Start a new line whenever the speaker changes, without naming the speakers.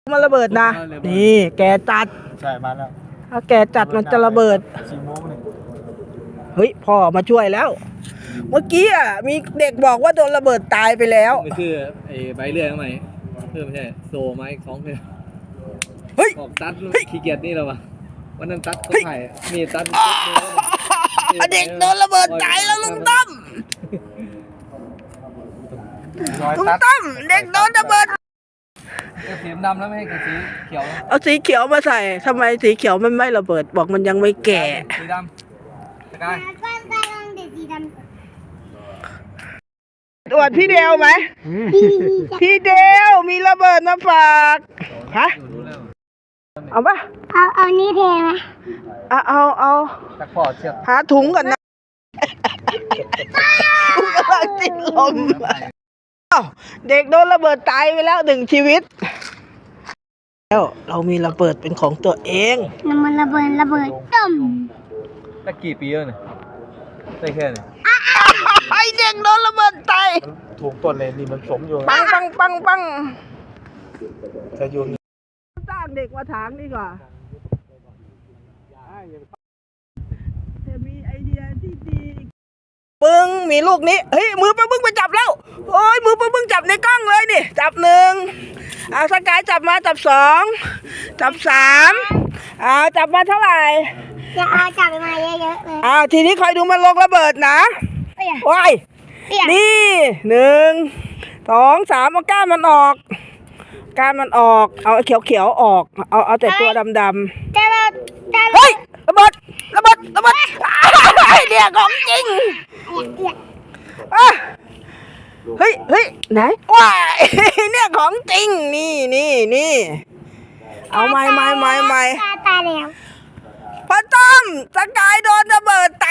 มันระเบิดนะนี่แกจัด
ใช่มาแล้ว
ถ้าแกจัดมันจะระเบิด
4 โมงนี่
เฮ้ยพ่อมาช่วยแล้วเมื่อกี้อ่ะมีเด็กบอกว่าโดนระเบิดตายไปแล้ว
ไม่คือไอ้ใบเลื่อยทำไมเพิ่มไม่ใช่โซไม้2เลย
เฮ้ย
ออกตัดขี้เกียจนี่แล้ววะวันนั้นตัดเขาถ่ายมีตัด
เด็กโดนระเบิดตายแล้วลุงตั้มลุงตั้มเด็กโดนระเบิด
สีดำแล้วไม่ให้กับสีเขียว
เอาสีเขียวมาใส่ทำไมสีเขียวมันไม่ระเบิดบอกมันยังไม่แก่
สีดำสกาย
ตรวจพี่เดวไหมพี่เดวมีระเบิดมาฝากฮะเอาปะ
เอานี่เทไหม
เอา
ตะขอเชือก
หาถุงก่อนนะถุงกำลังติดลมเด็กโดนระเบิดตายไปแล้ว1 ชีวิตแล้วเรามีระเบิดเป็นของตัวเอง
มันระเบิดต้ม
ตะกี่ปีแล้วเนี่ยได้แค่นี้
ไอเด็กโดนระเบิดตาย
ถูกต้นเลยนี่มันสมอยู่
ปัง
จะอยู่
สร้างเด็กมาถางดีกว่าจะมีไอเดียที่ดีปึ้งมีลูกนี้เฮ้ยมือปึ้งไปจับแล้วโอ้ยมือปึ้งจับในกล้องเลยนี่จับ1เอาสกายจับมาจับ2จับ3จับมาเท่าไหร่
จะเอาจับมาเยอะๆเลย
ทีนี้คอยดูมันลงระเบิดนะว้ายนี่1 2 3เอาก้านมันออกเอาเขียวออกเอาแต่ตัวดำเฮ้ยระเบิดเนี่ยของจริงเฮ้ยไหนว้ายเนี่ยของจริงนี่เอาไม่
ตายแล้ว
พ่อต้อมสกายโดนระเบิดต